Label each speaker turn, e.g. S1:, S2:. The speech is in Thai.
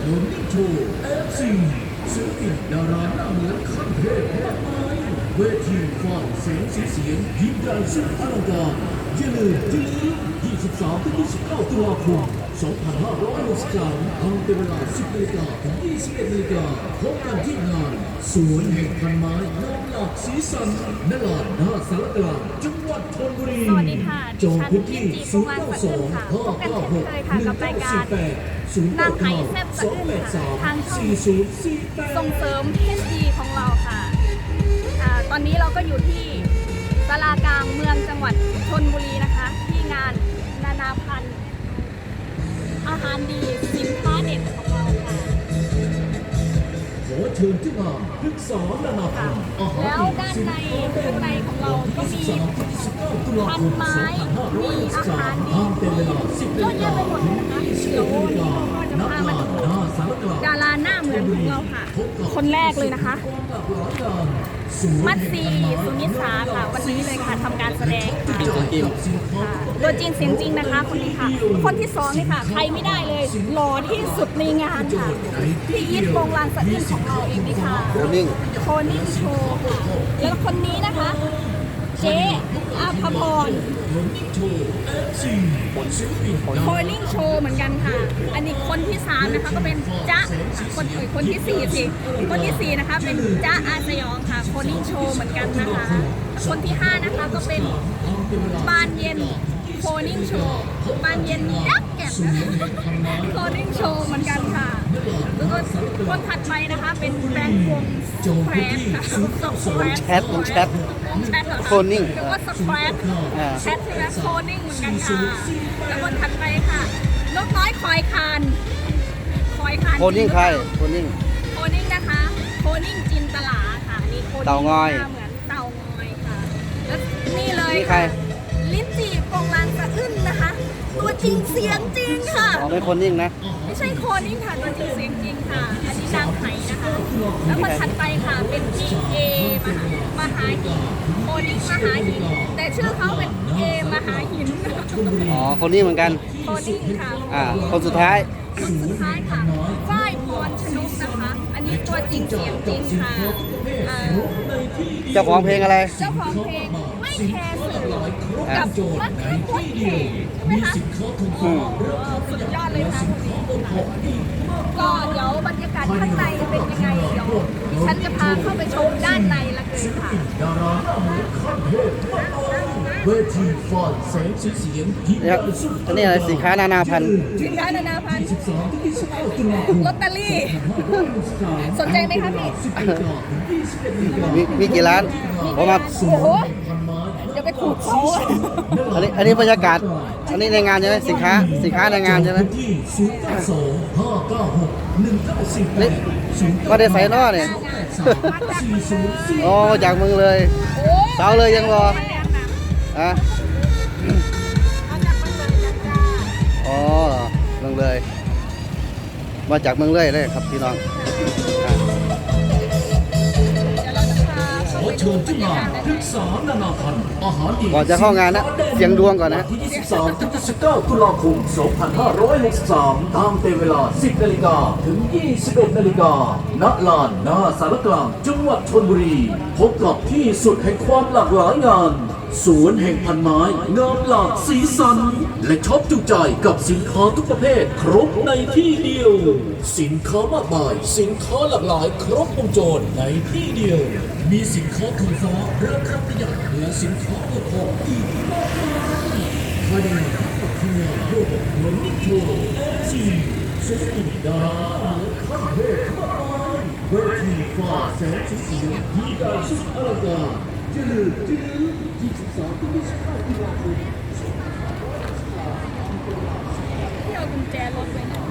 S1: นนิ่งโชว์เอฟซีศิลปินดาราหน้าเหมือนขั้นเทพมากมายเวทีฟ้อนแสงสีเสียงยิ่งใหญ่สุดอลังการอย่าลืม23 ถึง 29 ตุลาคม 2563ทำเป็นเวลา 10 นาฬิกาถึง 21 นาฬิกาพบกันที่งานสวนแห่งพันไม้น้ำหลากสีสันณลานหน้าสารกลางจังหวัดชลบุรี
S2: สวัสดีค่ะดิ
S1: จอง
S2: ฉัน
S1: พื้น
S2: ยิ
S1: ที่
S2: นจีโปรงลางสะอื้นค่ะพบกันเช่นเคยค่ะกับรายการนางไหแซ่บสะอื้นค่ะทางช่องส่งเสริมเพศดีของเราค่ะตอนนี้เราก็อยู่ที่ศาลากลางเมืองจังหวัดชลบุรีนะคะที่งานนานาพันธุ์อาหารดีสินค้าเด็ดของเราค่ะ
S1: ขอเชิญที่งานพฤกษานานาพันธุ์อาหาร
S2: แล้วด้านในข้างในของเราก็มีพันไม้มีอาหารดีเยอะแยะไปหมดเลยนะคะเดี๋ยววันนี้เราก็จะพามาดูดาราหน้าเหมือนของเราค่ะคนแรกเลยนะคะมัตซีสุนิสาค่ะวันนี้เลยค่ะทำการแสดงค่ะตัวจริงเสียงจริงนะคะคนนี้ค่ะคนที่2นี่ค่ะใครไม่ได้เลยหล่อที่สุดในงานค่ะพี่อีทโปรงลางสะอื้นของเราเองนี่ค่ะโคนิ่งโชว์ค่ะแล้วคนนี้นะคะเจ๊อาภพรโคนิ่งโชว์เหมือนกันค่ะอันนี้คนที่3นะคะก็เป็นจ๊ะคนที่4สิคนที่4นะคะเป็นจ๊ะอาสยองค่ะโคนิ่งโชว์เหมือนกันนะคะคนที่5นะคะก็เป็นบานเย็นโคนิ่งโชว์บานเย็นยักษ์แก่นโคนิ่งโชว์เหมือนกันค่ะแล้วก็คนถัดไปนะคะเป็นแบงค์วงแควร์ค่ะ
S3: แชทโคนิ่ง
S2: แล้วก็สแควร์แชทใช่ไหมโคนิ่งเหมือนกันค่ะแล้วคนถัดไปค่ะนกน้อยคอยคาน
S3: โคนิ่งใครโคนิ่ง
S2: นะคะโคนิ่งจินตลาค่ะนี่โคนิ่ง
S3: เต่างอย
S2: เหมือนเต่างอยค่ะแล้วนี่เลย
S3: นี่ใคร
S2: ลิ้นจี่โปรงลางสะอื้นนะคะตัวจริงเสียงจริงค่ะ
S3: อ๋อไม่โคนิ่งนะ
S2: ไม่ใช่โคนิ่งค่ะตัวจริงเสียงจริงค่ะอันนี้นางไหนะคะแล้วคนถัดไปค่ะเป็นพี่เอมหาหินโคนิ่งมหาหินแต่ชื่อเขาเป็นเอมหาหิน
S3: อ๋อโคนิ่งเหมือนกัน
S2: โคนิ่งค่ะ
S3: คนสุดท้าย
S2: ค่ะฝ้ายพรชนกนะคะ อันนี้ตัวจริงเสียงจริงค่ะ
S3: เจ้าของเพลงอะไร
S2: เจ้าของเพลงไม่แคร์สื่อกับมัดโคตรเท่ใช่ไหมคะสุดยอดเลยค่ะก็เดี๋ยวบรรยากาศข้างในเป็นยังไงเดี๋ยวฉันจะพาเข้าไปชมด้านในละกันค่ะ
S1: ดาราหน้าเหมือนขั้นเทพเวทีฟ้อนแสงสีเสียงยิ่งใหญ่สุด
S3: อันนี้อะไรสินค้านานาพันธุ์
S2: สินค้านานาพันธุ์
S1: 23 ถึง 29 ตุลาคม
S2: ลอตเตอรี่สนใจไหมคะพี่
S3: มีกี่ร้านผมมา
S2: โอ้โหอย่าไปขูดเขา
S3: อันนี้บรรยากาศอันนี้ในงานใช่ไหมสินค้าในงานใช่ไหมนี่ก็ได้ใส่นอเนี่ยโอ้จากเมืองเลยสาวเลยยังรออะอ๋อเมืองเลยมาจากเมืองเลยครับพี่น้อง
S1: ขอเชิญที่งานพฤกษานานาพันธุ์อาหารดี
S3: ก่อนจะเข้างานนะเสียงดวงก่อนนะ
S1: ที่ 23 ถึง 29 ตุลาคม 2563 ตามเต็มเวลา 10 นาฬิกาถึง 21 นาฬิกาณลานหน้าสารกลางจังหวัดชลบุรี พบกับที่สุดแห่งความหลากหลายงานสวนแห่งพันไม้งามหลากสีสัน และช็อปจุใจกับสินค้าทุกประเภทครบในที่เดียว สินค้ามากมายสินค้าหลากหลายครบวงจรในที่เดียว มีสินค้าถูกฟ้าราคาประหยัดและสินค้าโอท็อปอีกมากมายภายในงานคืองานโลกเหมือนนิโคซีศิลปินดาราขั้นเทพมากมายเวทีฟ้าแสงสีเสียงยิ่งใหญ่สุดอลังการจะลืม23 ถึง 29 ตุลาคม
S2: ที่เอากุญแจรถไว้นะ